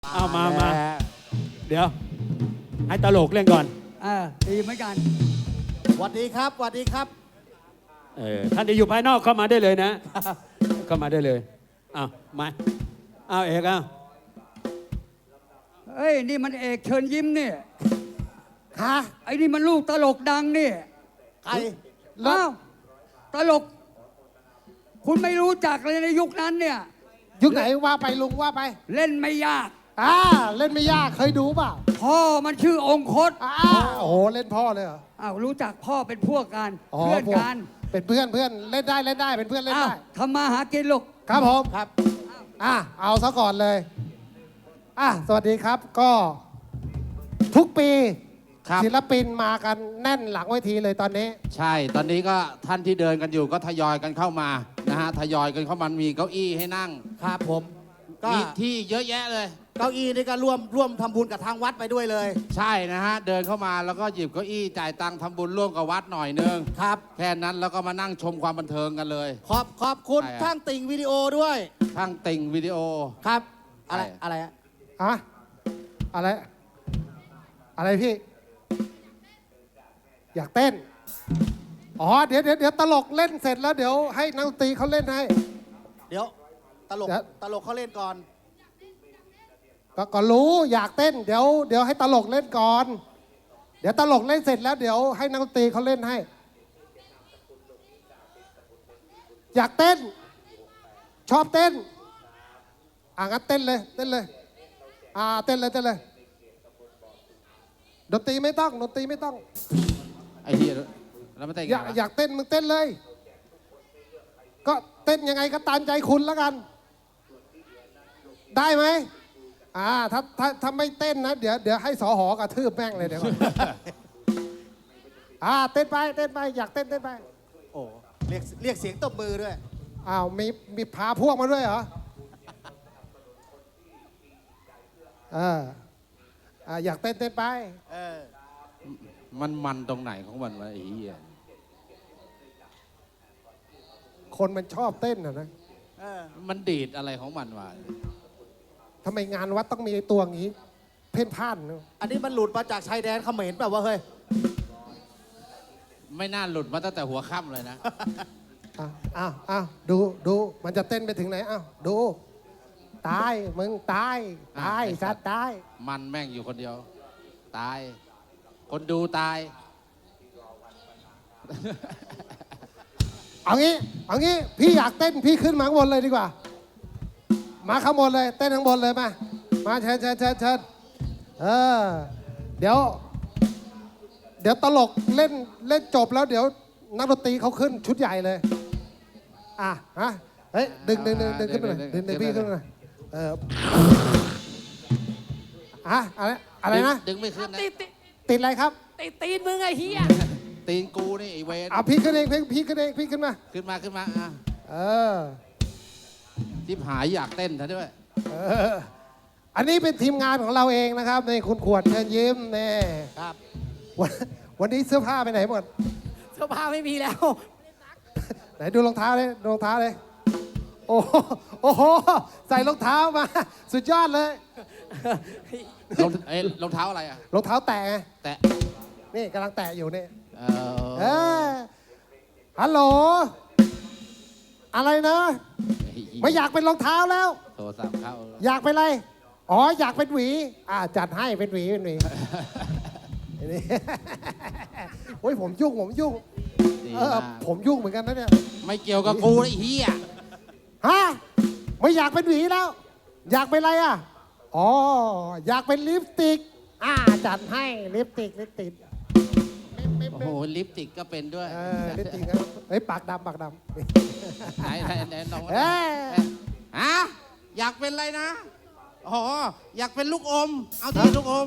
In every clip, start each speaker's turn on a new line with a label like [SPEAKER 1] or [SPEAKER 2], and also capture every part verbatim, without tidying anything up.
[SPEAKER 1] เอามามาเดี๋ยวให้ตลกเล่นก่อน
[SPEAKER 2] เออดีเหมือนกัน
[SPEAKER 3] สวัสดีครับสวัสดีครับ
[SPEAKER 1] เออท่านที่อยู่ภายนอกเข้ามาได้เลยนะ เข้ามาได้เลยเอามาเอาเอกเอา
[SPEAKER 2] เอ้ยนี่มันเอกเชิญยิ้มนี่
[SPEAKER 3] ฮะ
[SPEAKER 2] ไอ้นี่มันลูกตลกดังนี่
[SPEAKER 3] ใคร
[SPEAKER 2] อ้าวตลก คุณไม่รู้จักเลยในยุคนั้นเนี่ย
[SPEAKER 4] ยุคไหนว่าไปลุงว่าไป
[SPEAKER 2] เล่นไม่ยาก
[SPEAKER 4] อ่าเล่นไม่ยากเคยดูเปล่า
[SPEAKER 2] พ่อมันชื่อองคต
[SPEAKER 4] อ่าโอ้โหเล่นพ่อเลยเหรอ
[SPEAKER 2] อ้าวรู้จักพ่อเป็นพวกกัน
[SPEAKER 4] อ๋อ
[SPEAKER 2] เพื่อน
[SPEAKER 4] พวก
[SPEAKER 2] กัน
[SPEAKER 4] เป็นเพื่อนเพื่อนเล่นได้เล่นได้เป็นเพื่อนเล่น
[SPEAKER 2] อ้าว
[SPEAKER 4] ได้
[SPEAKER 2] ทำมาหากินลูก
[SPEAKER 4] ครับผม
[SPEAKER 3] ครับ
[SPEAKER 4] อ่ะเอาซะก่อนเลยอ่ะสวัสดีครับก็ทุกปี
[SPEAKER 5] ครับ
[SPEAKER 4] ศิลปินมากันแน่นหลังเวทีเลยตอนนี้
[SPEAKER 5] ใช่ ตอนนี้ก็ท่านที่เดินกันอยู่ก็ทยอยกันเข้ามานะฮะทยอยกันเข้ามามีเก้าอี้ให้นั่ง
[SPEAKER 3] ครับผมก็
[SPEAKER 5] มีที่เยอะแยะเลย
[SPEAKER 3] เก้าอี้นี่ก็ร่วมร่วมทำบุญกับทางวัดไปด้วยเลย
[SPEAKER 5] ใช่นะฮะเดินเข้ามาแล้วก็หยิบเก้าอี้จ่ายตังค์ทำบุญร่วมกับวัดหน่อยนึง
[SPEAKER 3] ครับ
[SPEAKER 5] แค่นั้นแล้วก็มานั่งชมความบันเทิงกันเลย
[SPEAKER 3] ขอบขอบคุณ
[SPEAKER 5] ใช่ครับ
[SPEAKER 3] ช่างติ่งวิดีโอด้วย
[SPEAKER 5] ทั้งติ่งวิดีโอ
[SPEAKER 3] ครับ อะไร
[SPEAKER 5] ใช่
[SPEAKER 3] อะไรอะ
[SPEAKER 4] อะอะไร อะไรพี่ อยากเต้น อ๋อ เดี๋ยวเดี๋ยวเดี๋ยวตลกเล่นเสร็จแล้วเดี๋ยวให้นักดนตรีเขาเล่นให้
[SPEAKER 3] เดี๋ยวตลก
[SPEAKER 4] เดี๋ยว
[SPEAKER 3] ตลกเขาเล่นก่อน
[SPEAKER 4] ก็ก็รู้อยากเต้น เดี๋ยวเดี๋ยวให้ตลกเล่นก่อน เดี๋ยวตลกเล่นเสร็จแล้วเดี๋ยวให้นักดนตรีเขาเล่นให้ อยากเต้น ชอบเต้น อ่ะงั้นเต้นเลย เต้นเลย อ่าเต้นเลยเต้นเลยดนตรีไม่ต้องดนตรีไม่ต้อง
[SPEAKER 5] ไอ้เหี้ยแล้วไม่แต่ง
[SPEAKER 4] อยากอยากเต้นมึงเต้นเลย ก็เต้นยังไงก็ตามใจคุณแล้วกัน ได้ไหมอ่าถ้าถ้าถ้าไม่เต้นนะเดี๋ยวเดี๋ยวให้สอหอกระทืบแม่งเลยเดี๋ยวก่อน อ่าเต้นไปเต้นไปอยากเต้นเต้นไป
[SPEAKER 3] โอ้เรียกเรียกเสียงตบมือด้วย
[SPEAKER 4] อ้าวมีมีพาพวกมาด้วยเหรอเอออ่าอยากเต้นเต้นไป
[SPEAKER 3] เออ
[SPEAKER 5] มันมันตรงไหนของมันวะไอ้เหี้ย
[SPEAKER 4] คนมันชอบเต้นอะนะ
[SPEAKER 3] เออ
[SPEAKER 5] มันดีดอะไรของมันวะ
[SPEAKER 4] ทำไมงานวัดต้องมีไอ้ตัวอย่างนี้ เพ่นพ่านเนอะ
[SPEAKER 3] อันนี้มันหลุดมาจากชายแดนเขมรแบบว่าวะเฮ้ย
[SPEAKER 5] ไม่น่าหลุดมาตั้งแต่หัวค่ำเลยนะ
[SPEAKER 4] อ้าวอ้าวอ้าวดูดูมันจะเต้นไปถึงไหนอ้าวดู ตายมึงตายตาย
[SPEAKER 5] อ่ะ
[SPEAKER 4] สัตว์ตาย
[SPEAKER 5] มันแม่งอยู่คนเดียว ตาย คนดูตาย
[SPEAKER 4] เอางี้เอางี้พี่อยากเต้นพี่ขึ้นมาข้างบนเลยดีกว่า มาข้างบนเลยเต้นข้างบนเลยมามาเชิญเชิญเชิญเชิญเออเดี๋ยว เดี๋ยวตลกเล่นเล่นจบแล้วเดี๋ยวนักดนตรีเขาขึ้นชุดใหญ่เลยอ่ะฮะเฮ้ยดึงดึงดึงดึงขึ้นมาหน่อยดึงดึงพี่ขึ้นมาหน่อยเอออะอะไรอะไรนะ
[SPEAKER 5] ดึงไม่ขึ้นนะ
[SPEAKER 6] ติดติด
[SPEAKER 4] ติดอะไรครับ
[SPEAKER 6] ติดตีนมึงไอ้เฮีย
[SPEAKER 5] ตีนกูนี่ไอ้เวน
[SPEAKER 4] อ่ะพี่ขึ้นเองพี่พี่ขึ้นเองพี่ขึ้นมา
[SPEAKER 5] ขึ้นมาขึ้นมาอ่ะ
[SPEAKER 4] เออ
[SPEAKER 5] ทิพหายอยากเต้นซะด้วย
[SPEAKER 4] เอออันนี้เป็นทีมงานของเราเองนะครับในคุณขวดเชิญยิ้มนี่
[SPEAKER 3] ครับ
[SPEAKER 4] วันวันนี้เสื้อผ้าไปไหนหมด
[SPEAKER 6] เสื้อผ้าไม่มีแล้ว
[SPEAKER 4] ไหนดูรองเท้าเลยดูรองเท้าเลย โอ้โหโอ้โห ใส่รองเท้ามา สุดยอดเลย
[SPEAKER 5] รองเอ้ยรองเท้าอะไรอ่ะ
[SPEAKER 4] รองเท้าแตะไง
[SPEAKER 5] แตะ
[SPEAKER 4] นี่กำลังแตะอยู่นี่
[SPEAKER 5] เอ
[SPEAKER 4] เอ
[SPEAKER 5] อ
[SPEAKER 4] อฮัลโหล อะไรนะ ไม่อยากเป็นรองเท้าแล้ว
[SPEAKER 5] โทรศัพท์เข้า
[SPEAKER 4] อยากเป็นอะไร อ๋อ อยากเป็นหวี อ่า จัดให้เป็นหวีเป็นหวีนี่ โอ้ยผมยุ่งผมยุ่ง
[SPEAKER 5] ดี
[SPEAKER 4] เออ
[SPEAKER 5] มาก
[SPEAKER 4] ผมยุ่งเหมือนกันนะเนี่ย
[SPEAKER 5] ไม่เกี่ยวกับกูไอ้เหี้ย
[SPEAKER 4] ฮะ ไม่อยากเป็นหวีแล้ว อยากเป็นอะไรอ่ะ อ๋อ อยากเป็นลิปสติก อ่า จัดให้ลิปสติกลิปสติก
[SPEAKER 5] โอ้โหลิปสติกก็เป็นด้วย
[SPEAKER 4] เออลิปสติกครับเฮ้ย ปากดำปากด
[SPEAKER 5] ไหนไหนไหนน้อง
[SPEAKER 4] ำเอ้ย
[SPEAKER 5] ฮะอยากเป็นอะไรนะอ๋ออยากเป็นลูกอม เอาที่ลูกอม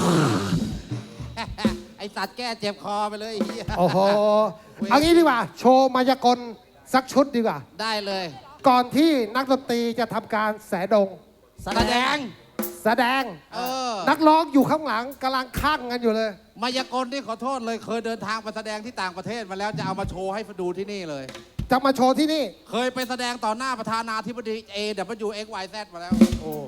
[SPEAKER 5] ไอสัตว์แก้เจ็บคอไปเลยไอ้เหี้ย
[SPEAKER 4] โอ้โห เอางี้ดีกว่า โชว์มายากลสักชุดดีกว่า
[SPEAKER 5] ได้เลย
[SPEAKER 4] ก่อนที่นักดนตรีจะทำการแสดง
[SPEAKER 5] แสดง
[SPEAKER 4] แสดง
[SPEAKER 5] เออ
[SPEAKER 4] นักร้องอยู่ข้างหลังกำลังคั่งกันอยู่เลย
[SPEAKER 5] มายากลที่ขอโทษเลยเคยเดินทางไปแสดงที่ต่างประเทศมาแล้วจะเอามาโชว์ให้ดูที่นี่เลย
[SPEAKER 4] จะมาโชว์ที่นี่
[SPEAKER 5] เคยไปแสดงต่อหน้าประธานาธิบดี เอ ดับเบิลยู เอ็กซ์ วาย แซด มาแล้ว
[SPEAKER 4] โอ้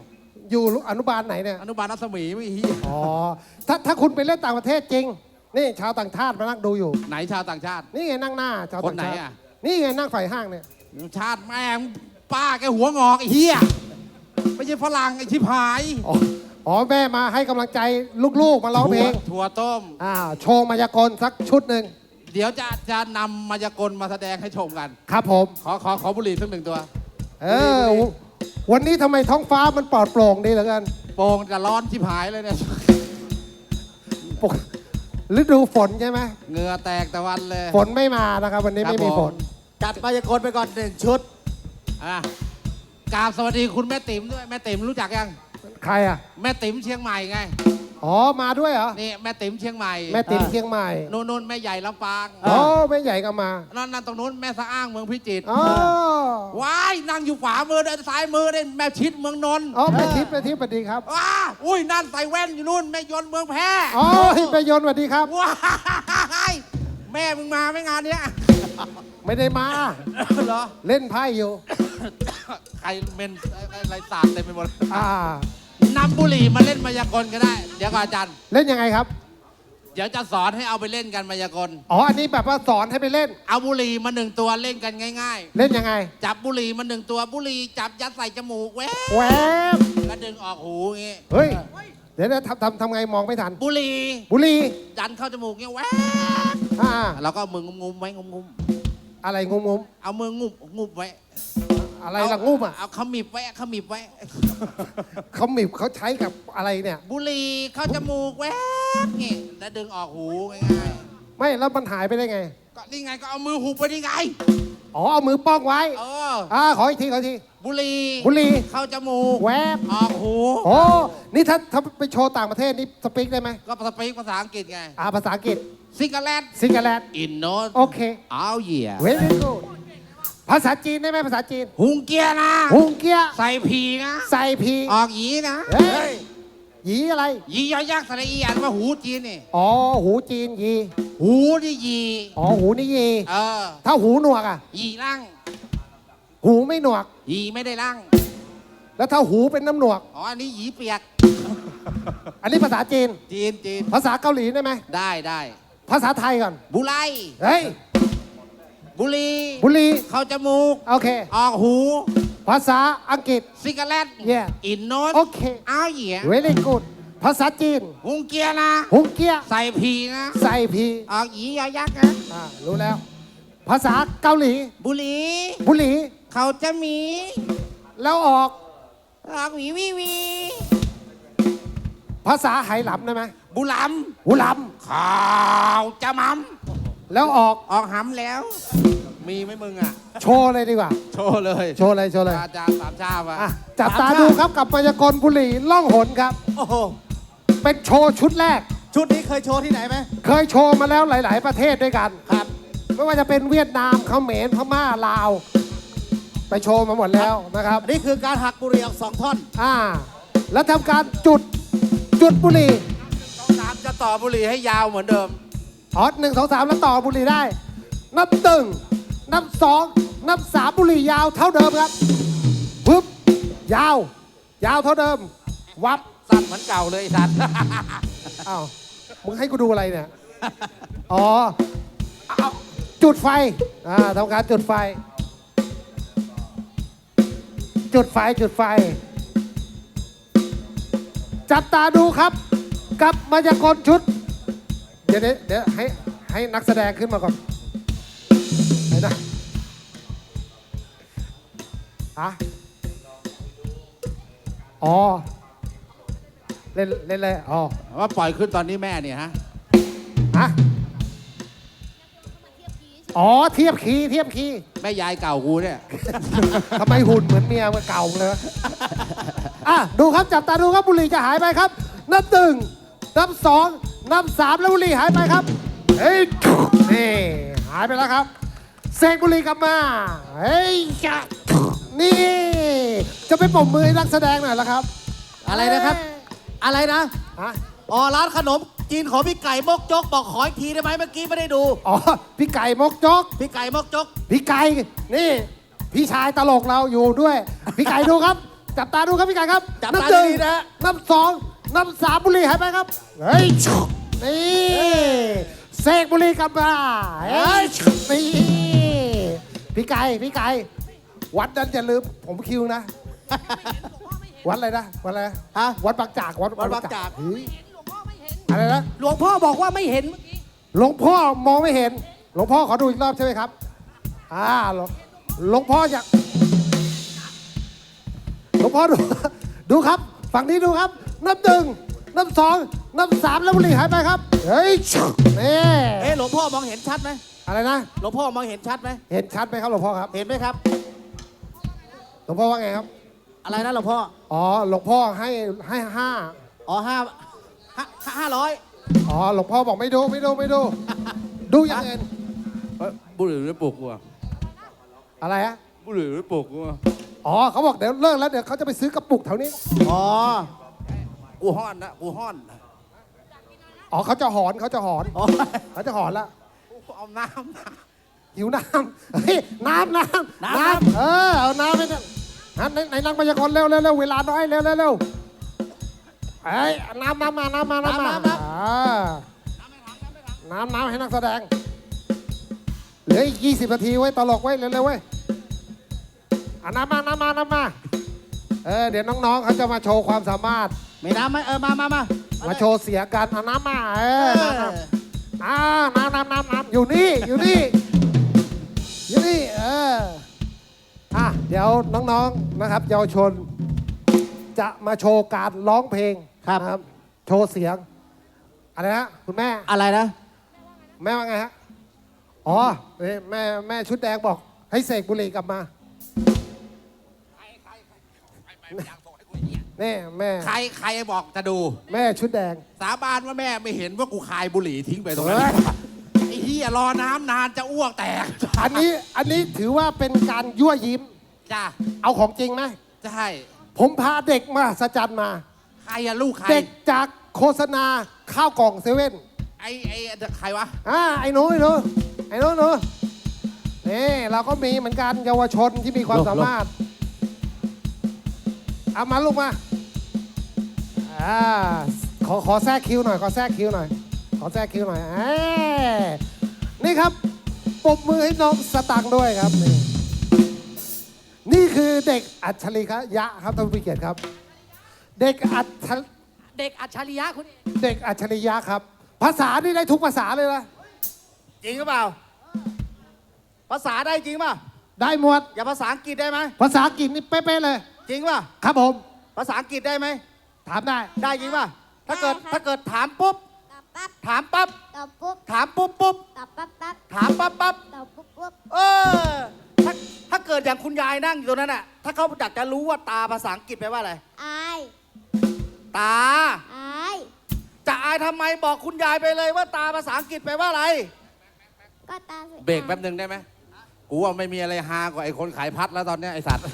[SPEAKER 4] อยู่อนุบาลไหนเนี่ย
[SPEAKER 5] อนุบาลรัศมีไม่เฮีย
[SPEAKER 4] อ๋อ ถ้าถ้าคุณไปเล่นต่างประเทศจริง นี่ชาวต่างชาติมานั่งดูอยู่
[SPEAKER 5] ไหนชาวต่างชาติ
[SPEAKER 4] นี่ไงนั่งหน้าชาว
[SPEAKER 5] ค
[SPEAKER 4] ต่าน ง
[SPEAKER 5] ไหน
[SPEAKER 4] ชาติ
[SPEAKER 5] อะ
[SPEAKER 4] นี่ไงนั่งฝ่ายห้างเนี่ย
[SPEAKER 5] ชาติแม่งป้าแกหัวงอกไอ้เฮียไม่ใช่ฝรั่งไอ้ชิบหาย
[SPEAKER 4] อ๋ออ๋อแม่มาให้กำลังใจลูกๆมาร้องเพลง
[SPEAKER 5] ถั่วต้ม
[SPEAKER 4] อ่าโชว์มายากลสักชุดหนึ่ง
[SPEAKER 5] เดี๋ยวจะจะนำมายากลมาแสดงให้ชมกัน
[SPEAKER 4] ครับผม
[SPEAKER 5] ขอขอขอบุหรี่สักหนึ่งตัว
[SPEAKER 4] เออ วันนี้ทำไมท้องฟ้ามันปลอดโปร่งดีเหลือเกิน
[SPEAKER 5] โป่งจะร้อนชิบหายเลยเนี่ย
[SPEAKER 4] ปกฤดูฝนใช่ไหม
[SPEAKER 5] เหงื่อแตกตะวันเลย
[SPEAKER 4] ฝนไม่มานะครับ วันนี้
[SPEAKER 5] ครับ
[SPEAKER 4] ไม่มี
[SPEAKER 5] ผม
[SPEAKER 4] ฝน
[SPEAKER 3] จัดมายากลไปก่อนหนึ่งชุด
[SPEAKER 5] อ่ะกราบสวัสดีคุณแม่ติ๋มด้วยแม่ติ๋มรู้จักยัง
[SPEAKER 4] ใครอ่ะ
[SPEAKER 5] แม่ติ๋มเชียงใหม่ไง
[SPEAKER 4] อ๋อ มาด้วยเหรอ
[SPEAKER 5] นี่แม่ติ๋มเชียงใหม่
[SPEAKER 4] แม่ติ๋มเชียงใหม่
[SPEAKER 5] นู่นนู่นแม่ใหญ่ลำปาง
[SPEAKER 4] อ๋อแม่ใหญ่ก็มา
[SPEAKER 5] นั่นนั่นตรงนู้นแม่สะอ้างเมืองพิจิตร
[SPEAKER 4] อ๋อ
[SPEAKER 5] ว้ายนั่งอยู่ขวามือด้านซ้ายมือได้แม่ชิดเมืองนนท์
[SPEAKER 4] อ๋อแม่ทิพย์แม่ทิพย์สวัสดีครับ
[SPEAKER 5] ว้าอุ้ยนั่นใส่แว่นอยู่นู่นแม่ยนต์เมืองแพร่
[SPEAKER 4] อ๋อแม่ยนต์สวัสดีครับ
[SPEAKER 5] ว้ายแม่มึงมาไหม่งานเนี้ย
[SPEAKER 4] ไม่ได้มา
[SPEAKER 5] เหรอ
[SPEAKER 4] เล่นไพ่อยู่
[SPEAKER 5] ใครเมนอะไรสาดเต็มไปหมด
[SPEAKER 4] อ่า
[SPEAKER 5] นำบุหรี่มาเล่นมายากลก็ได้ เดี๋ยวก่อนอาจารย์
[SPEAKER 4] เล่นยังไงครับ
[SPEAKER 5] เดี๋ยวจะสอนให้เอาไปเล่นกันมายากล
[SPEAKER 4] อ๋อ อันนี้แบบว่าสอนให้ไปเล่น
[SPEAKER 5] เอาบุหรี่มาหนึ่งตัวเล่นกันง่าย
[SPEAKER 4] เล่นยังไง
[SPEAKER 5] ๆ จับบุหรี่มาหนึ่งตัวบุหรี่จับยัดใส่จมูกแว๊บ
[SPEAKER 4] แหวบ
[SPEAKER 5] แล้วดึงออกหูอย่างงี้
[SPEAKER 4] เฮ้ย เดี๋ยวนะทำทำทำไงมองไม่ทัน
[SPEAKER 5] บุหรี่
[SPEAKER 4] บุหรี
[SPEAKER 5] ดันเข้าจมูกเงี้ยแว๊บ
[SPEAKER 4] อ่า
[SPEAKER 5] เราก็เอามืองุมๆไว้งุม
[SPEAKER 4] อะไรงงง
[SPEAKER 5] ๆเอามืองุบงุบไว้
[SPEAKER 4] ๆอะไรล่ะงูอ่ะ
[SPEAKER 5] เอาขมิบไว้ขมิบไว้
[SPEAKER 4] เขาหมิบเขาใช้กับอะไรเนี่ย
[SPEAKER 5] บุหรี่เข้าจมูกแว๊บงี้แล้วดึงออกหูง่าย
[SPEAKER 4] ไม่แล้วมันหายไปได้ไง
[SPEAKER 5] ๆก็นี่ไงก็เอามือหุบไปนี่ไง
[SPEAKER 4] อ๋อ เอามือป้องไว้
[SPEAKER 5] เออ
[SPEAKER 4] อ่า ขออีกทีขออีกที
[SPEAKER 5] บุหรี่
[SPEAKER 4] บุหรี
[SPEAKER 5] เข้าจมูก
[SPEAKER 4] แวบ
[SPEAKER 5] ออกหู
[SPEAKER 4] โอ้ นี่ถ้าถ้าไปโชว์ต่างประเทศนี่สปีกได้ไหม
[SPEAKER 5] ก็สปีกภาษาอังกฤษไง
[SPEAKER 4] อ่า ภาษาอังกฤษ
[SPEAKER 5] ซิกาเลต
[SPEAKER 4] ซิงเกิลแลนด์
[SPEAKER 5] อินโนส
[SPEAKER 4] โอเค
[SPEAKER 5] เอาเหยีย
[SPEAKER 4] เวลี่กูดภาษาจีนได้ไหมภาษาจีน
[SPEAKER 5] หุงเกียนะ
[SPEAKER 4] ฮุงเกี้ย
[SPEAKER 5] ใส่ผีนะ
[SPEAKER 4] ใส่พี
[SPEAKER 5] ออกหยีนะ
[SPEAKER 4] เฮ้ยหยีอะไร
[SPEAKER 5] หยียอยักษ์สระอีอ่านว่าหูจีนนี่
[SPEAKER 4] อ๋อ หูจีนยี
[SPEAKER 5] หูนี่หยี
[SPEAKER 4] อ๋อ หูนี่ยี
[SPEAKER 5] เออ
[SPEAKER 4] ถ้าหูหนวกอ่ะ
[SPEAKER 5] หยีร่าง
[SPEAKER 4] หูไม่หนวก
[SPEAKER 5] หยีไม่ได้ร่าง
[SPEAKER 4] แล้วถ้าหูเป็นน้ำหนวก
[SPEAKER 5] อ๋ออันนี้หยีเปียก
[SPEAKER 4] อันนี้ภาษาจีน
[SPEAKER 5] จีนจีน
[SPEAKER 4] ภาษาเกาหลีได้ไหม
[SPEAKER 5] ได้ได้
[SPEAKER 4] ภาษาไทยก่อน
[SPEAKER 5] บุไล
[SPEAKER 4] เฮ้ย
[SPEAKER 5] บุหรี
[SPEAKER 4] บุหรี
[SPEAKER 5] เข้าจมูก
[SPEAKER 4] โอเค
[SPEAKER 5] ออกหู
[SPEAKER 4] ภาษาอังกฤษ
[SPEAKER 5] ซิกาเลต
[SPEAKER 4] Yeah
[SPEAKER 5] อินโนส
[SPEAKER 4] โอเค
[SPEAKER 5] เอาเหยีย
[SPEAKER 4] เวลี่กูดภาษาจีน
[SPEAKER 5] หุงเกียนะ
[SPEAKER 4] ฮุงเกี้ย
[SPEAKER 5] ใส่ผีนะ
[SPEAKER 4] ใส่พี
[SPEAKER 5] ออกหยียอยักษ์นะ
[SPEAKER 4] อ่ารู้แล้ว ภาษาเกาหลี
[SPEAKER 5] บุหรี
[SPEAKER 4] บุหรี
[SPEAKER 5] เขาจะมี
[SPEAKER 4] แล้วออก
[SPEAKER 5] ออกหวีวีวี
[SPEAKER 4] ภาษาไหหลำได้ไหม
[SPEAKER 5] บุหล
[SPEAKER 4] หูหล
[SPEAKER 5] ำข่าวจะมัม
[SPEAKER 4] ำแล้วออก
[SPEAKER 5] ออกหำแล้ว มีไหมมึงอ่ะ
[SPEAKER 4] โชว์เลยดีกว่า
[SPEAKER 5] โชว์เลย
[SPEAKER 4] โชว์เลยโชว์เลย
[SPEAKER 5] อาจารย์สามชาบอ่ะ
[SPEAKER 4] อ่ะจับตาดูครับกับมายากลบุหรี่ล่องหนครับ
[SPEAKER 3] โอ้โห
[SPEAKER 4] เป็นโชว์ชุดแรก
[SPEAKER 3] ชุดนี้เคยโชว์ที่ไหนไหม
[SPEAKER 4] เคยโชว์มาแล้วหลาย ๆ ประเทศด้วยกัน
[SPEAKER 3] ครับ
[SPEAKER 4] ไม่ว่าจะเป็นเวียดนามเขมรพม่าลาว ไปโชว์มาหมดแล้วนะครับ
[SPEAKER 3] นี่คือการหักบุหรี่ออกสองท่อน
[SPEAKER 4] อ่า แล้วทำการจุดจุดบุหรี่
[SPEAKER 5] ต้องสามจะต่อบุหรี่ให้ยาวเหมือนเดิม
[SPEAKER 4] อ๋อหนึ่งสองสามแล้วต่อบุหรี่ได้ นับหนึ่งนับสองนับสามบุหรี่ยาวเท่าเดิมครับปึ๊บยาว ยาวเท่าเดิม วับ
[SPEAKER 5] สั้นเหมือนเก่าเลยไอ้สัตว์
[SPEAKER 4] อ้าวมึงให้กูดูอะไรเนี่ย อ๋อเอาจุดไฟอ่าทำการจุดไฟ จุดไฟจุดไฟ จับตาดูครับ กับมายากลชุด เดี๋ยวเดี๋ยวเดี๋ยวให้ให้นักแสดงขึ้นมาก่อนไหนนะฮะอ๋อ เล่นเล่นเลยอ๋อ
[SPEAKER 5] ว่าปล่อยขึ้นตอนนี้แม่เนี่ยฮะ
[SPEAKER 4] ฮะอ๋อ เทียบคีย์เทียบคีย์
[SPEAKER 5] แม่ยายเก่ากูเนี่ย
[SPEAKER 4] ทำไมหุ่นเหมือนเมียมันเก่าเลยวะอ่ะ ดูครับ จับตาดูครับ บุหรี่จะหายไปครับ นับหนึ่งนับสองนับสามแล้วบุหรี่หายไปครับ เฮ้ย นี่ หายไปแล้วครับ เสกบุหรี่กลับมา เฮ้ยจ้ะนี่ จะไปปมมือให้นักแสดงหน่อยละครับ
[SPEAKER 3] อะไรนะครับ อะไรนะ
[SPEAKER 4] ฮะ
[SPEAKER 3] อ๋อ ร้านขนมจีนของพี่ไก่มกจกบอกขออีกทีได้ไหมเมื่อกี้ไม่ได้ดู
[SPEAKER 4] อ๋อ พี่ไก่มกจก
[SPEAKER 3] พี่ไก่มกจก
[SPEAKER 4] พี่ไก่ นี่ พี่ชายตลกเราอยู่ด้วย พี่ไก่ดูครับจับตาดูครับพี่ไก่ครับ
[SPEAKER 3] จับ
[SPEAKER 4] นั
[SPEAKER 3] ตา
[SPEAKER 4] หนึ่ง
[SPEAKER 3] ดีๆนะ
[SPEAKER 4] นับสองนับสามบุหรี่หายไปครับเฮ้ยนี่เสกบุหรี่กลับมาเฮ้ยนี่พี่ไก่พี่ไก่วัดนั้นอย่าลืมผมคิวนะ วัดอะไรนะวัดอะไรนะ
[SPEAKER 3] ฮะ
[SPEAKER 4] วัดบางจากวัด
[SPEAKER 3] วัดบางจาก
[SPEAKER 4] เฮ้ยอะไรนะ
[SPEAKER 6] หลวงพ่อบอกว่าไม่เห็นเมื่อกี้
[SPEAKER 4] หลวงพ่อมองไม่เห็น หลวงพ่อขอดูอีกรอบใช่ไหมครับอ่าหลวงหลวงพ่ออยากหลวงพ่อดู ดูครับฝั่งนี้ดูครับ นับหนึ่งนับสองนับสามแล้วบุหรี่หายไปครับ เฮ้ยนี่
[SPEAKER 3] เอ๊ะหลวงพ่อมองเห็นชัดไหม
[SPEAKER 4] อะไรนะ
[SPEAKER 3] หลวงพ่อมองเห็นชัดไหม
[SPEAKER 4] เห็นชัดไหมครับหลวงพ่อครับ
[SPEAKER 3] เห็นไหมครับ
[SPEAKER 4] หลวงพ่อว่าไงครับ
[SPEAKER 3] อะไรนะหลวงพ่อ
[SPEAKER 4] อ๋อ หลวงพ่อให้ให้ห้า
[SPEAKER 3] อ๋อห้าห้าห้าร้อย
[SPEAKER 4] อ๋อ หลวงพ่อบอกไม่ดูไม่ดูไม่ดู ดูอย่างอื่น
[SPEAKER 5] บุหรี่ไม่ปลุกกูอะ
[SPEAKER 4] อะไรฮะ
[SPEAKER 5] บุหรี่ไม่ปลุกกูอะ
[SPEAKER 4] อ๋อเขาบอกเดี๋ยวเลิกแล้วเดี๋ยวเขาจะไปซื้อกระปุกแถวนี้
[SPEAKER 3] อ๋อ
[SPEAKER 5] กูห้อนนะกูห้อน
[SPEAKER 4] อ๋อเขาจะหอนเขาจะหอน
[SPEAKER 3] อ๋อ
[SPEAKER 4] เขาจะหอนละ
[SPEAKER 3] กูเอาน้ำมา
[SPEAKER 4] หิวน้ำเฮ้ยน้ำน้ำ
[SPEAKER 3] น้ำ
[SPEAKER 4] ำเออเอาน้ำไปเนี่ยฮะในในนักพยากรณ์เร็วเร็วเร็วเวลาน้อยเร็วเร็วเร็วไอ้ยน้ำน้ำมาน้ำมาน้ำมาอ่าน้ำน้ำให้นักแสดงเหลืออีกยี่สิบนาทีไว้ตลกไว้เร็วเร็วเว้ยอ่ะน้ำมาน้ำมาน้ำมาเออเดี๋ยวน้องๆเขาจะมาโชว์ความสามารถ
[SPEAKER 3] มีน้ำไหมเออมามามา
[SPEAKER 4] มาโชว์เสียงกันเอาน้ำมาเอ
[SPEAKER 3] เอ
[SPEAKER 4] อ
[SPEAKER 3] อ
[SPEAKER 4] น้ำน้ำน้ำน้ำน้ำน้ำอยู่นี่อยู่นี่อยู่นี่เอออ่ะเดี๋ยวน้องๆนะครับเยาวชน จะมาโชว์การร้องเพลง
[SPEAKER 3] ครับ
[SPEAKER 4] นะโชว์เสียงอะไรนะคุณแม่
[SPEAKER 3] อะไรนะ
[SPEAKER 4] แม่ว่าไงฮะอ๋อเอ้ยแม่แม่ชุดแดงบอก ให้เสกบุหรี่กลับมานี่แม่
[SPEAKER 5] ใครใครบอกจะดู
[SPEAKER 4] แม่ชุดแดง
[SPEAKER 5] สาบานว่าแม่ไม่เห็นว่ากูคายบุหรี่ทิ้งไปตรงนั้นไอ้เหี้ยรอน้ำนานจะอ้วกแตก
[SPEAKER 4] อันนี้อันนี้ถือว่าเป็นการยั่วยิ้ม
[SPEAKER 5] จ้า
[SPEAKER 4] เอาของจริงไหม
[SPEAKER 5] ใช่
[SPEAKER 4] ผมพาเด็กมาสจันมา
[SPEAKER 5] ใครอะลูกใคร
[SPEAKER 4] เด็กจากโฆษณาข้าวกล่องเซเว่น
[SPEAKER 5] ไอ้ไอ้ใครวะ
[SPEAKER 4] อ่าไอ้หนูไอ้หนูไอ้หนูหนูนี่เราก็มีเหมือนกันเยาวชนที่มีความสามารถเอามาลูกมาอ่าขอขอแทรกคิวหน่อยขอแทรกคิวหน่อยขอแทรกคิวหน่อยเอ้ยนี่ครับปรบมือให้น้องสตังค์ด้วยครับนี่นี่คือเด็กอัจฉริยะครับท่านผู้เกียรติครับ เด็กอัจฉริ
[SPEAKER 6] เด็กอัจฉริยะคุณ
[SPEAKER 4] เด็กอัจฉริยะครับ ภาษานี่ได้ทุกภาษาเลยนะ
[SPEAKER 3] จริงหรือเปล่า ภาษาได้จริงป่ะ
[SPEAKER 4] ได้หมด
[SPEAKER 3] อย่าภาษาอังกฤษได้ไหม
[SPEAKER 4] ภาษาอังกฤษนี่เป๊ะๆเลย
[SPEAKER 3] จริงป่ะ
[SPEAKER 4] ครับผม
[SPEAKER 3] ภาษาอังกฤษได้ไหม
[SPEAKER 4] ถามได้
[SPEAKER 3] ได้จริงป่ะ ถ้าเกิด
[SPEAKER 7] ได้ครับ
[SPEAKER 3] ถ้าเกิดถามปุ๊บ
[SPEAKER 7] ตอบปั๊บ
[SPEAKER 3] ถามปั๊บ
[SPEAKER 7] ตอบปุ๊บ
[SPEAKER 3] ถามปุ๊บปุ๊บ
[SPEAKER 7] ตอบปั๊บปั๊บ
[SPEAKER 3] ถามปั๊บปั๊บ
[SPEAKER 7] ตอบปุ๊บปุ๊บ
[SPEAKER 3] เออ ถ้าถ้าเกิดอย่างคุณยายนั่งอยู่ตรงนั้นน่ะ ถ้าเขาอยากจะรู้ว่าตาภาษาอังกฤษแปลว่าอะไร
[SPEAKER 7] อาย
[SPEAKER 3] ตา
[SPEAKER 7] อาย
[SPEAKER 3] จะอายทำไมบอกคุณยายไปเลยว่าตาภาษาอังกฤษแปลว่าอะไร
[SPEAKER 7] ก็ตาสวย
[SPEAKER 5] เบรกแป๊บหนึงได้ไหมกูว่าไม่มีอะไรฮากว่าไอ้คนขายพัดแล้วตอนเนี้ยไอ้สัตว์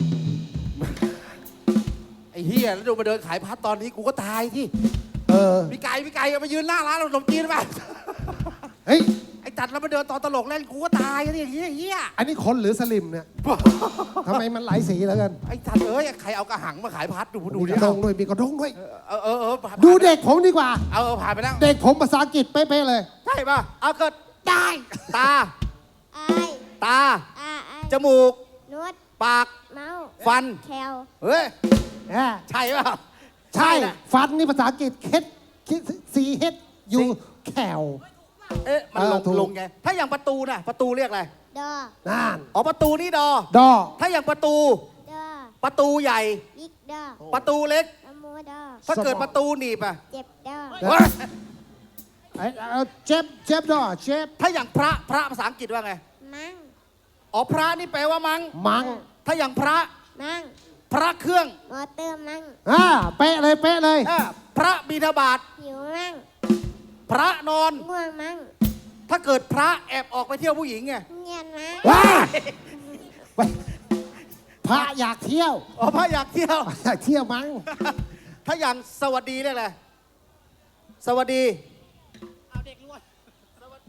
[SPEAKER 5] ไอ้เฮียแล้วดูมาเดินขายพัดตอนนี้กูก็ตายที่
[SPEAKER 4] เออ
[SPEAKER 5] พี่ไก่พี่ไก่เอามายืนหน้าร้านขนมจีนไป
[SPEAKER 4] เฮ้ย
[SPEAKER 5] ไอ้จัดแล้วมาเดินตอนตลกเล่นกูก็ตายที่อย่างเงี้ยเฮีย
[SPEAKER 4] อันนี้คนหรือสลิมเนี่ย ทำไมมันหลายสีแล้วกัน
[SPEAKER 5] ไอ้จัดเอ้ยใครเอากระหังมาขายพัดดูดู
[SPEAKER 4] มี
[SPEAKER 5] ดิ
[SPEAKER 4] กระดงด้วย มีกระดงด้วย
[SPEAKER 5] เออเออเออผ่าน
[SPEAKER 4] ดูเด็กผมดีกว่า
[SPEAKER 5] เอาเออผ่านไปแล้ว
[SPEAKER 4] เด็กผมภาษาอังกฤษเป๊ะๆเลย
[SPEAKER 3] ใช่ป่ะ เอาเกิดได้ ตา
[SPEAKER 7] อาย
[SPEAKER 3] ตา
[SPEAKER 7] อาอาย
[SPEAKER 3] จมูก
[SPEAKER 7] นวด
[SPEAKER 3] ปาก
[SPEAKER 7] เมาส์
[SPEAKER 3] ฟัน
[SPEAKER 7] แคล
[SPEAKER 3] เฮ้ย
[SPEAKER 4] แหม
[SPEAKER 3] ใช่ป่ะ
[SPEAKER 4] ใช่
[SPEAKER 3] นะ
[SPEAKER 4] ฟันนี่ภาษาอังกฤษเคสซีเฮดยูแคล
[SPEAKER 3] เอ๊ะ มัน
[SPEAKER 4] เออ
[SPEAKER 3] ลง
[SPEAKER 4] ถูก
[SPEAKER 3] ลงไง ถ้าอย่างประตูน่ะ ประตูเรียกอะไร
[SPEAKER 7] ดอ
[SPEAKER 4] นั่น
[SPEAKER 3] อ๋อ ประตูนี่ดอ
[SPEAKER 4] ดอ
[SPEAKER 3] ถ้าอย่างประตู
[SPEAKER 7] ดอ
[SPEAKER 3] ประตูใหญ่
[SPEAKER 7] บิ๊กดอ
[SPEAKER 3] ประตูเล็ก
[SPEAKER 7] นโมดอ
[SPEAKER 3] ถ้าเกิดประตูหนีบอ่ะ
[SPEAKER 7] เจ็บดอ
[SPEAKER 3] เฮ้ย
[SPEAKER 4] ไอ้เอาเจ็บเจ็บดอเจ็บ
[SPEAKER 3] ถ้าอย่างพระ พระภาษาอังกฤษว่าไง
[SPEAKER 7] มั่ง
[SPEAKER 3] อ๋อ พระนี่แปลว่ามัง
[SPEAKER 4] มัง
[SPEAKER 3] ถ้าอย่างพระ
[SPEAKER 7] มั่ง
[SPEAKER 3] พระเครื่อง
[SPEAKER 7] มอเตอร์มั่ง
[SPEAKER 4] อ่าเป๊ะเลยเป๊ะเลย
[SPEAKER 3] อ่ะพระบิณฑบาต
[SPEAKER 7] หิวมั่ง
[SPEAKER 3] พระนอน
[SPEAKER 7] ง่วงมั่ง
[SPEAKER 3] ถ้าเกิดพระแอบออกไปเที่ยวผู้หญิงไง
[SPEAKER 7] เงียนมั่ง
[SPEAKER 4] ว้าไปพระอยากเที่ยว
[SPEAKER 3] อ๋อ พระอยากเที่ยว
[SPEAKER 4] อยากเที่ยวมั้ง
[SPEAKER 3] ถ้าอย่างสวัสดีเรียกอะไร สวัสดี
[SPEAKER 6] เอาเด็กรวย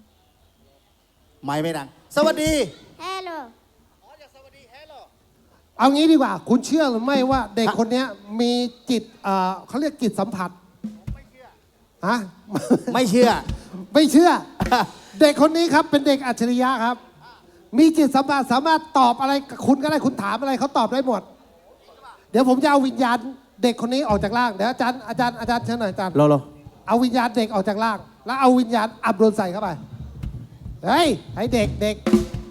[SPEAKER 3] ไม่ไม่ดัง สวัสดี
[SPEAKER 7] เฮลโล
[SPEAKER 3] อ๋ออยากสวัสดีแฮลโหล
[SPEAKER 4] เอางี้ดีกว่า คุณเชื่อหรือไม่ว่าเด็กคนเนี้ยมีจิตเอ่อเขาเรียกจิตสัมผัสฮะ
[SPEAKER 3] ไม่เชื่อ
[SPEAKER 4] ไม่เชื่อ เด็กคนนี้ครับเป็นเด็กอัจฉริยะครับ มีจิตสัมผัสสามารถตอบอะไรกับคุณก็ได้คุณถามอะไรเขาตอบได้หมด เดี๋ยวผมจะเอาวิญญาณเด็กคนนี้ออกจากร่างเดี๋ยวอาจารย์อาจารย์อาจารย์เชิญหน่อยอาจารย์
[SPEAKER 3] โลโล
[SPEAKER 4] เอาวิญญาณเด็กออกจากร่าง แล้วเอาวิญญาณอับดุลใส่เข้าไปเฮ้ยให้เด็กเด็ก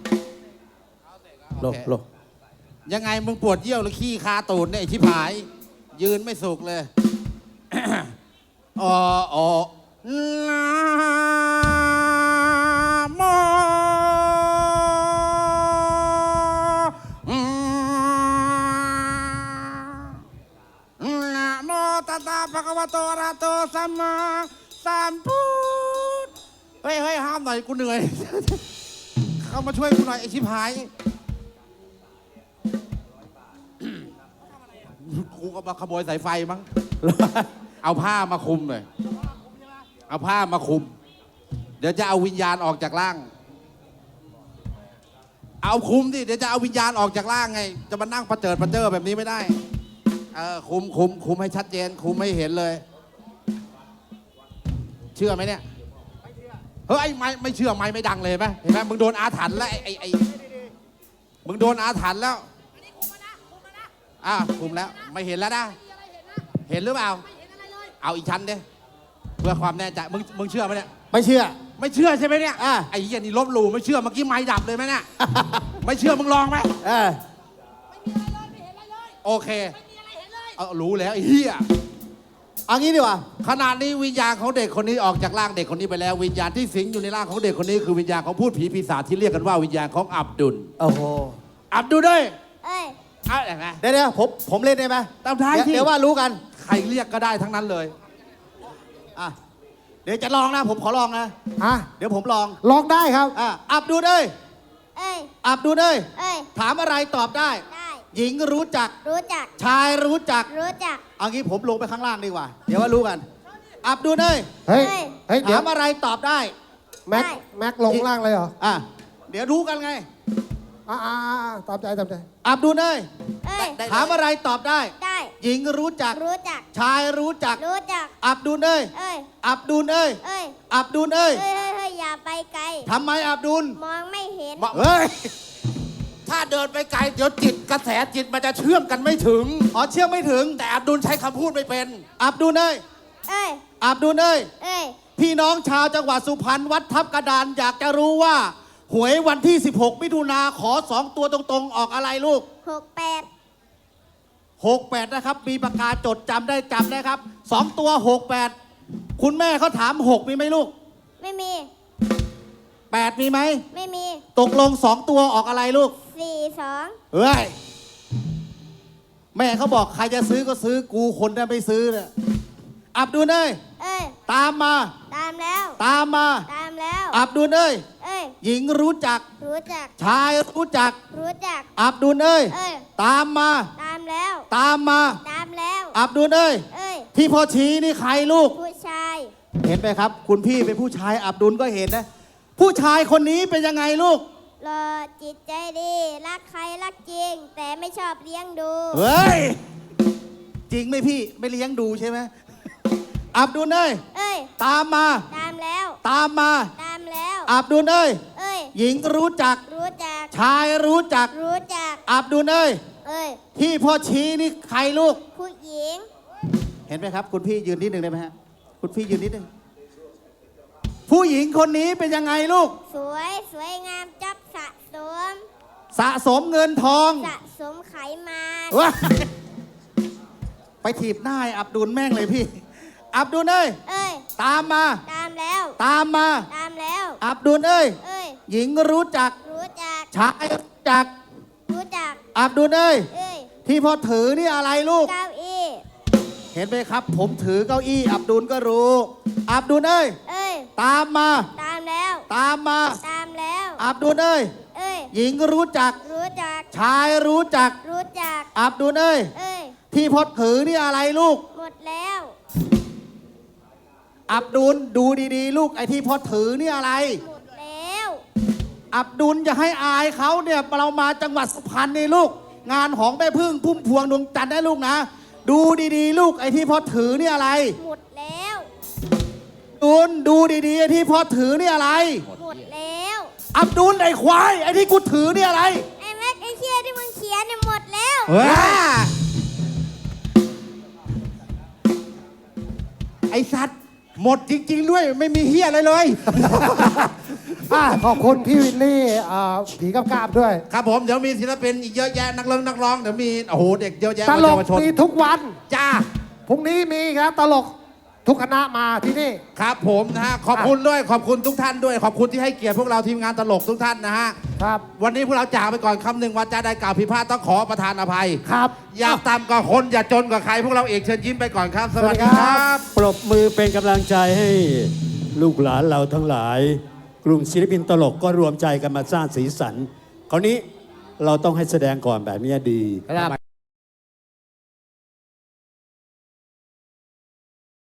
[SPEAKER 3] โลโล
[SPEAKER 5] ยังไงมึงปวดเยี่ยวหรือขี้คาตูดเนี่ยไอ้ชิบหาย ยืนไม่สุกเลย อ๋ออ๋อนะโมอืมนะโมตัสสะภะคะวะโตอะระหะโตสัมมาสัมพุทธเฮ้ยเฮ้ยห้ามหน่อยกูเหนื่อย เข้ามาช่วยกูหน่อยไอ้ชิบหาย กูก็มาขโมยสายไฟมั้ง เอาผ้ามาคุมเลย เอาผ้ามาคุม เดี๋ยวจะเอาวิญญาณออกจากร่าง เอาคุมดิ เดี๋ยวจะเอาวิญญาณออกจากร่างไง จะมานั่งประเจิดประเจิอแบบนี้ไม่ได้ เออคุมคุมคุมให้ชัดเจน คุมให้เห็นเลย เชื่อไหมเนี่ย เฮ้ยไม่ไม่เชื่อไม่ไม่ดังเลยเห็นไหมเห็นไหมมึงโดนอาถรรพ์แล้วไอ้ไอ้ไอ้มึงโดนอาถรรพ์แล้ว อ่ะคุมแล้วไม่เห็นแล้วนะ เห็นหรือเปล่า เอาอีกชั้นดิเพื่อความแน่ใจมึงมึงเชื่อไหมเนี่ย
[SPEAKER 3] ไม่เชื่อ
[SPEAKER 5] ไม่เชื่อใช่ไหมเนี่ย
[SPEAKER 3] อ่ะ
[SPEAKER 5] ไอ้เหี้ยนี่ลบหลู่ไม่เชื่อเมื่อกี้ไม้ดับเลยไหมเนี่ย ไม่เชื่อมึงลองไหม
[SPEAKER 3] เออ
[SPEAKER 5] โอเคเอารู้แล้วไอ้เหี้ย
[SPEAKER 3] เอางี้ดีกว่า
[SPEAKER 5] ขนาดนี้วิญญาณของเด็กคนนี้ออกจากร่างเด็กคนนี้ไปแล้ววิญญาณที่สิงอยู่ในร่างของเด็กคนนี้คือวิญญาณของพูดผีปีศาจที่เรียกกันว่าวิญญาณของอับดุล
[SPEAKER 3] โอ้โห
[SPEAKER 5] อับดุลด้วย
[SPEAKER 7] เอ้ย
[SPEAKER 5] อ่ะเห็นไหม
[SPEAKER 3] เดี๋ยวเดี๋ยวผมผมเล่นได้ไหม
[SPEAKER 5] ตามท้าย
[SPEAKER 3] เดี๋ยว
[SPEAKER 5] ที่
[SPEAKER 3] เดี๋ยวว่ารู้กัน
[SPEAKER 5] ใครเรียกก็ได้ทั้งนั้นเลย
[SPEAKER 3] อ่ะ เดี๋ยวจะลองนะ ผมขอลองนะ
[SPEAKER 4] อ่ะ
[SPEAKER 3] เดี๋ยวผมลอง
[SPEAKER 4] ลองได้ครับ
[SPEAKER 3] อ่ะ อับดูเอ้ย
[SPEAKER 7] เอ้ย
[SPEAKER 3] อับดูเอ้ย
[SPEAKER 7] เอ้ย
[SPEAKER 3] ถามอะไรตอบได้
[SPEAKER 7] ได้
[SPEAKER 3] หญิงรู้จัก
[SPEAKER 7] รู้จัก
[SPEAKER 3] ชายรู้จัก
[SPEAKER 7] รู้จัก
[SPEAKER 3] เอางี้ผมลงไปข้างล่างดีกว่า เดี๋ยวว่ารู้กัน อับดูเอ้ย
[SPEAKER 4] เฮ้ย
[SPEAKER 7] เฮ้ย
[SPEAKER 4] เฮ้ย เดี๋ย
[SPEAKER 3] ถาว มอะไรตอบได้
[SPEAKER 4] แม็ก
[SPEAKER 7] ได้
[SPEAKER 4] แม็กลงล่างเลยเหรอ
[SPEAKER 3] อ่ะ เดี๋ยวรู้กันไง
[SPEAKER 4] อ่าอ่าอ่าตามใจตามใจ
[SPEAKER 3] อับดูเอ้ย
[SPEAKER 7] เอ้ย
[SPEAKER 3] ถามอะไรตอบได้
[SPEAKER 7] ได้
[SPEAKER 3] หญิงรู้จัก
[SPEAKER 7] รู้จัก
[SPEAKER 3] ชายรู้จัก
[SPEAKER 7] รู้จัก
[SPEAKER 3] อับดุลเอ้ย
[SPEAKER 7] เอ้ย
[SPEAKER 3] อับดุลเอ้ย
[SPEAKER 7] เอ้ย
[SPEAKER 3] อับดุลเอ้ย
[SPEAKER 7] เฮ้ยเฮ้ยเฮ้ยอย่าไปไกล
[SPEAKER 3] ทำไมอับดุล
[SPEAKER 7] มองไม่เห็น
[SPEAKER 5] มา
[SPEAKER 3] เฮ้ย
[SPEAKER 5] ถ้าเดินไปไกลเดี๋ยวจิตกระแสจิตมันจะเชื่อมกันไม่ถึง
[SPEAKER 3] อ๋อเชื่อไม่ถึง
[SPEAKER 5] แต่อับดุลใช้คำพูดไม่เป็น
[SPEAKER 3] อับดุลเอ้ย
[SPEAKER 7] เอ้ย
[SPEAKER 3] อับดุลเอ้ย
[SPEAKER 7] เอ้ย
[SPEAKER 3] พี่น้องชาวจังหวัดสุพรรณวัดทับกระดานอยากจะรู้ว่า หวยวันที่ สิบหก มิถุนาขอสองตัวตรงๆ ออกอะไรลูก
[SPEAKER 7] หกแปด
[SPEAKER 3] หกแปดนะครับ มีปากกาจดจำได้จำได้ครับสองตัวหกแปดคุณแม่เขาถามหกมีไหมลูก
[SPEAKER 7] ไม่มี
[SPEAKER 3] แปดมีไหม
[SPEAKER 7] ไม่มี
[SPEAKER 3] ตกลงสองตัวออกอะไรลูก
[SPEAKER 7] สี่สอง
[SPEAKER 3] เฮ้ย แม่เขาบอกใครจะซื้อก็ซื้อกูคนได้ไม่ซื้อเนี่ยอับดุลเอ้ย
[SPEAKER 7] เอ้ย
[SPEAKER 3] ตามมา
[SPEAKER 7] ตามแล้ว
[SPEAKER 3] ตามมา
[SPEAKER 7] ตามแล้ว
[SPEAKER 3] อับดุลเอ้ย
[SPEAKER 7] เอ้ย
[SPEAKER 3] หญิงรู้จัก
[SPEAKER 7] รู้จัก
[SPEAKER 3] ชายรู้จัก
[SPEAKER 7] รู้จัก
[SPEAKER 3] อับดุลเอ้ย
[SPEAKER 7] เอ้ย
[SPEAKER 3] ตามมา
[SPEAKER 7] ตามแล้ว
[SPEAKER 3] ตามมา
[SPEAKER 7] ตามแล้ว
[SPEAKER 3] อับดุลเอ้ย
[SPEAKER 7] เอ้ย
[SPEAKER 3] ที่พ่อชี้นี่ใครลูก
[SPEAKER 7] ผู้ชาย
[SPEAKER 3] เห็นไหมครับ คุณพี่เป็นผู้ชายอับดุลก็เห็นนะ ผู้ชายคนนี้เป็นยังไงลูก
[SPEAKER 7] รอจิตใจดี รักใครรักจริง แต่ไม่ชอบเลี้ยงดู
[SPEAKER 3] เฮ้ย จริงไหมพี่ไม่เลี้ยงดูใช่ไหมอับดุลเอ้ย
[SPEAKER 7] เอ้ย
[SPEAKER 3] ตามมา
[SPEAKER 7] ตามแล้ว
[SPEAKER 3] ตามมา
[SPEAKER 7] ตามแล้ว
[SPEAKER 3] อับดุลเอ้ย
[SPEAKER 7] เอ้ย
[SPEAKER 3] หญิงรู้จัก
[SPEAKER 7] รู้จัก
[SPEAKER 3] ชายรู้จัก
[SPEAKER 7] รู้จัก
[SPEAKER 3] อับดุลเอ้ย
[SPEAKER 7] เอ้ย
[SPEAKER 3] ที่พ่อชี้นี่ใครลูก
[SPEAKER 7] ผู้หญิง
[SPEAKER 3] เห็นไหมครับ คุณพี่ยืนนิดหนึ่งได้ไหมฮะคุณพี่ยืนนิดหนึ่งผู้หญิงคนนี้เป็นยังไงลูก
[SPEAKER 7] สวยสวยงามจับสะสม
[SPEAKER 3] สะสมเงินทอง
[SPEAKER 7] สะสมไขมัน
[SPEAKER 3] ว้าไปถีบหน้าไอ้อับดุลแม่งเลยพี่ อับดุลเอ้ย
[SPEAKER 7] เอ้ย
[SPEAKER 3] ตามมา
[SPEAKER 7] ตามแล้ว
[SPEAKER 3] ตามมา
[SPEAKER 7] ตามแล้ว
[SPEAKER 3] อับดุลเอ้ย
[SPEAKER 7] เอ้ย
[SPEAKER 3] หญิงรู้จัก
[SPEAKER 7] รู้จัก
[SPEAKER 3] ชายรู้จัก
[SPEAKER 7] รู้จัก
[SPEAKER 3] อับดุลเอ้ย
[SPEAKER 7] เอ้ย
[SPEAKER 3] ที่พ่อถือนี่อะไรลูก
[SPEAKER 7] เก้าอี้
[SPEAKER 3] เห็นไหมครับ ผมถือเก้าอี้ อับดุลก็รู้ อับดุลเอ้ย
[SPEAKER 7] เอ้ย
[SPEAKER 3] ตามมา
[SPEAKER 7] ตามแล้ว
[SPEAKER 3] ตามมา
[SPEAKER 7] ตามแล้ว
[SPEAKER 3] อับดุลเอ้ย
[SPEAKER 7] เอ้ย
[SPEAKER 3] หญิงรู้จัก
[SPEAKER 7] รู้จัก
[SPEAKER 3] ชายรู้จัก
[SPEAKER 7] รู้จัก
[SPEAKER 3] อับดุลเอ้ย
[SPEAKER 7] เอ้ย
[SPEAKER 3] ที่พ่อถือนี่อะไรลูก
[SPEAKER 7] หมดแล้ว
[SPEAKER 3] อับดุลดูดีๆ ลูกไอ้ที่พ่อถือนี่อะไร
[SPEAKER 7] หมดแล้ว
[SPEAKER 3] อับดุลจะให้อายเขาเนี่ยเรามาจังหวัดสุพรรณนี่ลูกงานของแม่พึ่งพุ่มพวงดวงจันทร์ได้ลูกนะ ดูดีๆ ลูกไอ้ที่พอถือนี่อะไร
[SPEAKER 7] หมดแล้ว
[SPEAKER 3] ดูนดูดีๆไอ้ที่พอถือนี่อะไร
[SPEAKER 7] หมดแล้ว
[SPEAKER 3] อับดุลไอ้ควายไอ้ที่กูถือนี่อะไร
[SPEAKER 7] ไอ้แม็กไอ้เชี่ยที่มึงเขียนเนี่ยหมดแล้ว
[SPEAKER 5] เฮ้ย ไอสัตว์หมดจริง ๆ ด้วยไม่มีเฮียอะไรเลย
[SPEAKER 4] อ่ะขอบคุณพี่วินนี่อ่าผีกับกาบด้วย
[SPEAKER 5] ครับผมเดี๋ยวมีศิลปินอีกเยอะแยะนักร้องนักร้องเดี๋ยวมีโอ้โหเด็กเยอะแยะ
[SPEAKER 4] ตล
[SPEAKER 5] เยาก วชน
[SPEAKER 4] มีทุกวัน
[SPEAKER 5] จ้า
[SPEAKER 4] พรุ่งนี้มีอีกแล้วตลกทุกคณะมาที่นี่
[SPEAKER 5] ครับผมนะฮะขอบคุณด้วยขอบคุณทุกท่านด้วยขอบคุณที่ให้เกียรติพวกเราทีมงานตลกทุกท่านนะฮะ
[SPEAKER 4] ครับ
[SPEAKER 5] วันนี้พวกเราจากไปก่อนคำหนึ่งวาจาใดกล่าวผิดพลาดต้องขอประทานอภัย
[SPEAKER 4] ครับ
[SPEAKER 5] อย่าต่ำกว่าคนอย่าจนกว่าใครพวกเราเอกเชิญยิ้มไปก่อนครับ สวัสดีครับ
[SPEAKER 1] ปรบมือเป็นกำลังใจให้ลูกหลานเราทั้งหลาย กลุ่มศิลปินตลกก็รวมใจกันมาสร้างสีสัน คราวนี้เราต้องให้แสดงก่อนแบบนี้ดี
[SPEAKER 6] ครับ